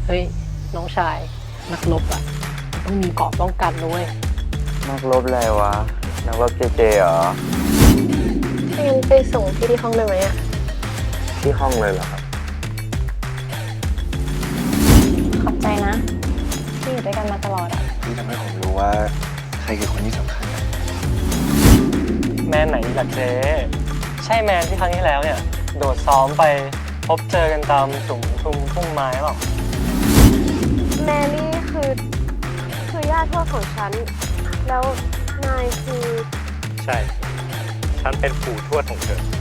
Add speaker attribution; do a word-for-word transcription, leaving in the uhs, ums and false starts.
Speaker 1: เฮ้ยน้องชายนักรบอ่ะต้องมีเกราะป้องกันด้วย
Speaker 2: นักรบอะไรวะนักรบเจเจเหรอ
Speaker 1: ถ้างั้นไปส่งพี่ที่ห้องได้ไหมอ่ะ
Speaker 2: ที่ห้องเลยเหรอครับ
Speaker 1: ขอบใจนะที่อยู่ด้วยกันมาตลอดอ่ะ
Speaker 3: ที่ทำให้ผมรู้ว่าใครคือคนที่สำคัญนะ
Speaker 4: แมนไหนล่ะเจ๊ใช่แมนที่ครั้งที่แล้วเนี่ยโดดซ้อมไปพบเจอกันตามสุมทุ่มทุ่งไม้หรอ
Speaker 1: แมนนี่คือคือย่าทวดของฉันแล้วนายคือ
Speaker 4: ใช่ฉันเป็นปู่ทวดของเธอ